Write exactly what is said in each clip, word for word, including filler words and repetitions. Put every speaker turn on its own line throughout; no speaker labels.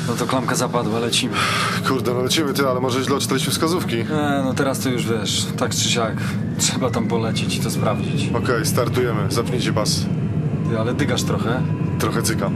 No to klamka zapadła, lecimy.
Kurde, no lecimy ty, ale może źle odczytaliśmy wskazówki.
E, no teraz to już wiesz, tak czy siak. Trzeba tam polecieć i to sprawdzić.
Okej, startujemy. Zapnijcie pas.
Ty, ale dygasz trochę.
Trochę cykam.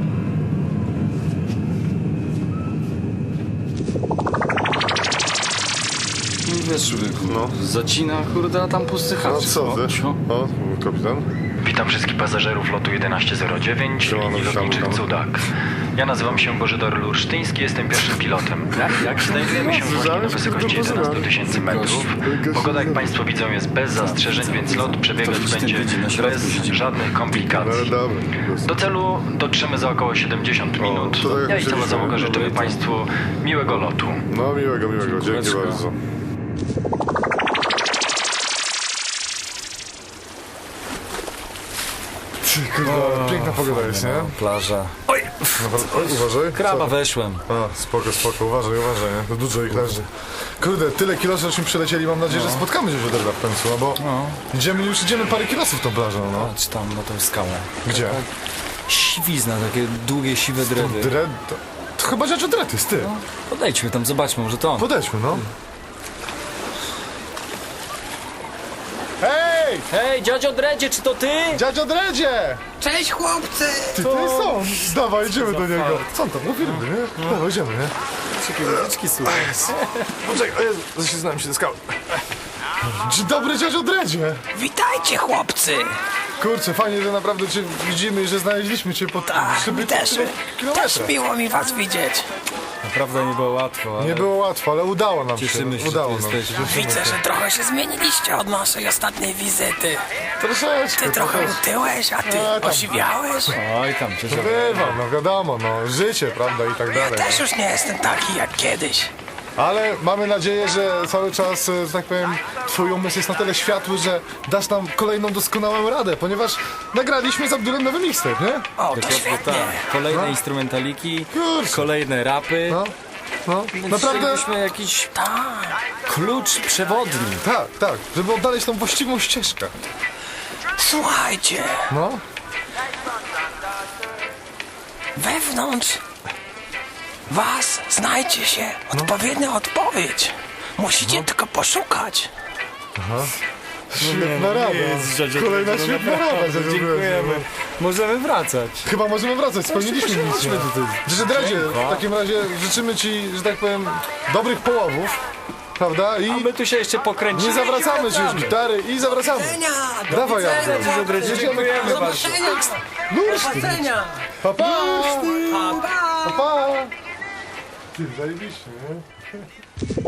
No wiesz, człowieku,
No.
zacina, kurde, a tam pusty
No
hacz.
co wy?
Cio.
O, kapitan.
Witam wszystkich pasażerów lotu jedenaście zero dziewięć,
Siemano,
linii
witamy,
lotniczych
witamy.
Cudak. Ja nazywam się Bożydar Lursztyński, jestem pierwszym pilotem. Jak znajdujemy się właśnie na wysokości jedenaście tysięcy metrów. Pogoda, jak Państwo widzą, jest bez zastrzeżeń, więc lot przebiegać będzie bez żadnych
No
komplikacji.
dobra.
Do celu dotrzemy za około siedemdziesiąt minut.
to tak jak
Ja i cała
myśleliśmy.
załoga życzymy Państwu miłego lotu.
No miłego, miłego. Dzięki
Dziękuję.
bardzo. Ty, kurde, piękna pogoda jest, nie?
Plaża.
Oj, uważaj.
Kraba
Co?
weszłem.
A, spoko, spoko, uważaj, uważaj, nie? To dużo ich leży. Kurde, tyle kilosów żeśmy przelecieli, mam nadzieję, że spotkamy się Żoderda w końcu, no bo
No.
idziemy, już idziemy parę kilosów tą plażą, no.
Patrz tam na tą skałę.
Gdzie?
Siwizna, takie długie, siwe dredy.
Dred... To, to chyba rzecz od jest, ty.
Podejdźmy tam, zobaczmy, może to on.
Podejdźmy, no. Hej!
Hej, dziadzio Dredzie, czy to ty?
Dziadzio Dredzie!
Cześć chłopcy!
Ty, to jest on! Dawaj, idziemy do niego. Co on tam, mówi ryby, nie? Dawaj, idziemy, nie?
Takie muzyczki słuchaj.
Poczekaj, o Jezu, zaślizgnąłem się do skały. Dzień dobry, dziadzio Dredzie!
Witajcie chłopcy!
Kurczę, fajnie, że naprawdę cię widzimy i że znaleźliśmy cię po
Tak,
szyby
mi też, też
kilometrach.
miło mi was widzieć.
Naprawdę nie było łatwo, ale
Nie było łatwo, ale udało nam
cieszymy się,
się.
że
Udało
tu
nam się.
jesteś.
cieszymy
Widzę,
się.
że trochę się zmieniliście od naszej ostatniej wizyty.
Troszeczkę,
Ty trochę
troszeczkę.
utyłeś, a ty
A, tam.
osiwiałeś.
Oj, tam cię
Bywa, no wiadomo, no, życie, prawda, i tak
Ja
dalej.
też już nie jestem taki jak kiedyś.
Ale mamy nadzieję, że cały czas, e, że tak powiem, twój umysł jest na tyle światły, że dasz nam kolejną doskonałą radę, ponieważ nagraliśmy z Abdulem nowy mixtape, nie?
O, to świetnie.
Tak, kolejne instrumentaliki,
Kurczę.
kolejne rapy.
No, no,
Więc
naprawdę,
chcielibyśmy jakiś
Tak.
klucz przewodni.
tak, tak, żeby odnaleźć tą właściwą ścieżkę.
Słuchajcie,
No,
wewnątrz was znajdzie się odpowiednia odpowiedź. Musicie tylko poszukać.
świetna rada. Kolejna świetna rada, że
Dziękujemy. Możemy wracać.
Chyba możemy wracać, spełniliśmy misję. Że Dredzie, w takim razie życzymy ci, że tak powiem, dobrych połowów, prawda? I
A my tu się jeszcze pokręcimy.
nie zawracamy ci już gitary i zawracamy.
Do
Dawaj,
widzenia,
Abdul.
chłopcy.
Dziękujemy
Do
bardzo.
zobaczenia. Do zobaczenia.
Pa, pa!
Pa, pa.
Pa, pa! Ty, zajebiście, nie?